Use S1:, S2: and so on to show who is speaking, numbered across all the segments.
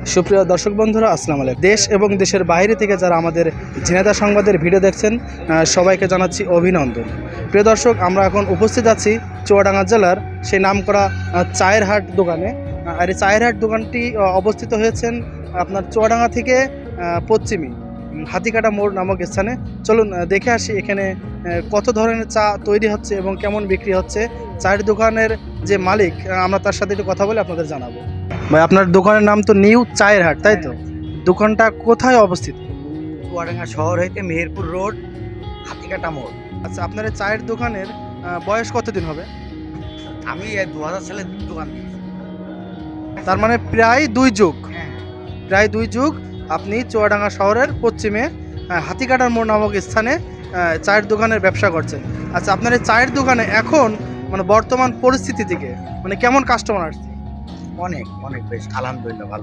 S1: সুপ্রিয় দর্শক বন্ধুরা, আসসালামু আলাইকুম। দেশ এবং দেশের বাইরে থেকে যারা আমাদের ঝিনাইদহ সংবাদের ভিডিও দেখছেন, সবাইকে জানাচ্ছি অভিনন্দন। প্রিয় দর্শক, আমরা এখন উপস্থিত আছি চুয়াডাঙ্গা জেলার সেই নামকরা চায়ের হাট দোকানে। আর এই চায়ের হাট দোকানটি অবস্থিত হয়েছেন আপনার চুয়াডাঙ্গা থেকে পশ্চিমী হাতিকাটা মোড় নামক স্থানে। চলুন দেখে আসি এখানে কত ধরনের চা তৈরি হচ্ছে এবং কেমন বিক্রি হচ্ছে। চায়ের দোকানের যে মালিক, আমরা তার সাথে একটু কথা বলে আপনাদের জানাবো। ভাই, আপনার দোকানের নাম তো নিউ চায়ের হাট, তাই তো? দোকানটা কোথায় অবস্থিত?
S2: চুয়াডাঙ্গা শহর হইতে মেহেরপুর রোড, হাতিকাটা মোড়।
S1: আচ্ছা, আপনার এই চায়ের দোকানের বয়স কতদিন হবে?
S2: আমি 2000 সালে দোকান দিয়েছি।
S1: তার মানে প্রায় 2 যুগ।
S2: হ্যাঁ,
S1: প্রায় 2 যুগ আপনি চুয়াডাঙ্গা শহরের পশ্চিমে হাতিকাটার মোড় নামক স্থানে চায়ের দোকানের ব্যবসা করছেন। আচ্ছা, আপনার এই চায়ের দোকানে এখন মানে বর্তমান পরিস্থিতি থেকে মানে কেমন কাস্টমার আসছে?
S2: অনেক অনেক বেশ, আলহামদুলিল্লাহ ভালো।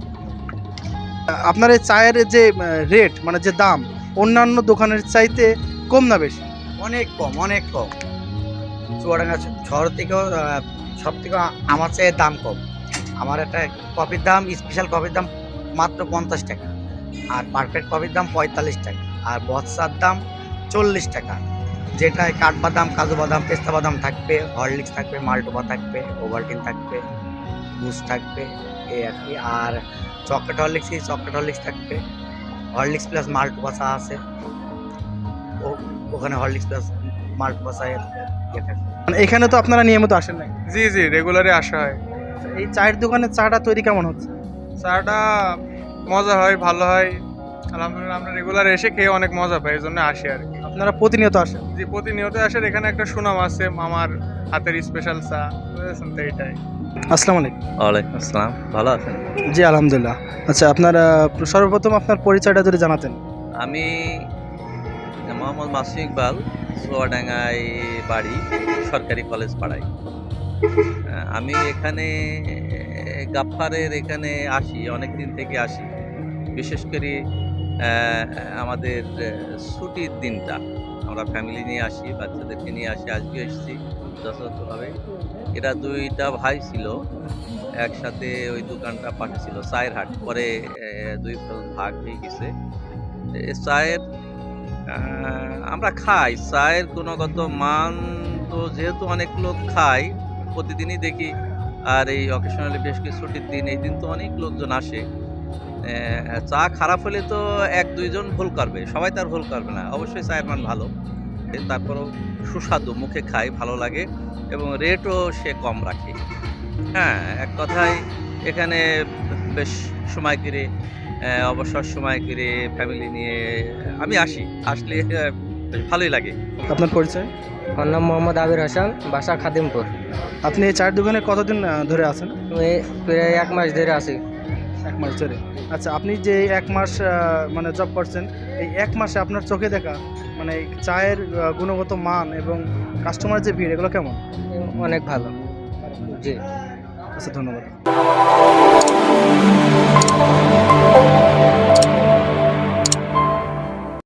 S1: আপনার এই চায়ের যে রেট মানে যে দাম অন্যান্য দোকানের চাইতে কম না বেশি?
S2: অনেক কম, অনেক কম। চুয়াডাঙ্গা শহর থেকেও সব থেকে আমার চেয়ে দাম কম। আমার একটা কফির দাম, স্পেশাল কফির দাম মাত্র 50 টাকা, আর পারফেক্ট কফির দাম 45 টাকা, আর বৎসার দাম 40 টাকা। যেটায় কাঠবাদাম, কাজু বাদাম, পেস্তা বাদাম থাকবে, হরলিক্স থাকবে, মাল্টোপা থাকবে, ওভালটিন থাকবে, বুস্ট থাকবে, এই আর কি। আর চকলেট হরলিক্স থাকবে, হরলিক্স প্লাস মাল্টোপা চা আছে, ওখানে হরলিক্স প্লাস মাল্টোপা চায়ের ইয়ে থাকবে।
S1: মানে এখানে তো আপনারা নিয়মিত আসেন নাকি?
S3: জি জি, রেগুলারে আসা হয়।
S1: এই চায়ের দোকানের চাটা তৈরি কেমন হচ্ছে?
S3: চাটা মজা হয়, ভালো হয় আলহামদুলিল্লাহ। আমরা রেগুলার এসে খেয়ে অনেক মজা পাই, এই জন্য আসি আর কি।
S1: আপনারা প্রতিনিয়ত আসেন?
S3: যে প্রতিনিয়ত আসেন, এখানে একটা সুনাম আছে আমার হাতের স্পেশাল চা, বুঝেছেন তো? এইটাই।
S1: আসসালামু আলাইকুম।
S4: ওয়ালাইকুম আসসালাম, ভালো আছেন?
S1: জি আলহামদুলিল্লাহ। আচ্ছা, আপনার সর্বপ্রথম আপনার পরিচয়টা যদি জানাতেন।
S4: আমি মোহাম্মদ মাসুম ইকবাল, চুয়াডাঙ্গায় বাড়ি, সরকারি কলেজ পাড়ায়। আমি এখানে গাফফারের এখানে আসি, অনেক দিন থেকে আসি। বিশেষ করে আমাদের ছুটির দিনটা আমরা ফ্যামিলি নিয়ে আসি, বাচ্চাদেরকে নিয়ে আসি। আজকে এসেছি যথাযথভাবে। এরা 2টা ভাই ছিল, একসাথে ওই দোকানটা পাঠিয়েছিল চায়ের হাট, পরে 2 ভাগ হয়ে গেছে। চায়ের আমরা খাই, চায়ের গুণগত মান তো যেহেতু অনেক লোক খায়, প্রতিদিনই দেখি। আর এই অকেশনালি বেশ কিছু ছুটির দিন, এই দিন তো অনেক লোকজন আসে। চা খারাপ হলে তো 1-2 জন ভুল করবে, সবাই তার ভুল করবে না। অবশ্যই চায়ের মান ভালো, তারপরেও সুস্বাদু, মুখে খাই, ভালো লাগে, এবং রেটও সে কম রাখে। হ্যাঁ, এক কথায় এখানে বেশ সময় করে, অবসর সময় করে ফ্যামিলি নিয়ে আমি আসি। আসলে বেশ ভালোই লাগে।
S1: আপনার পরিচয়?
S5: আমার নাম মোহাম্মদ আবির হাসান, বাসা খাদিমপুর।
S1: আপনি এই চায়ের দোকানে কতদিন ধরে আছেন?
S5: আমি প্রায় 1 মাস ধরে আছি।
S1: 1 মাস ধরে। আচ্ছা, আপনি যে 1 মাস মানে জব করছেন, এই 1 মাসে আপনার চোখে দেখা মানে এই চায়ের গুণগত মান এবং কাস্টমার যে ভিড়, এগুলো কেমন?
S5: অনেক ভালো। জি।
S1: আচ্ছা, ধন্যবাদ।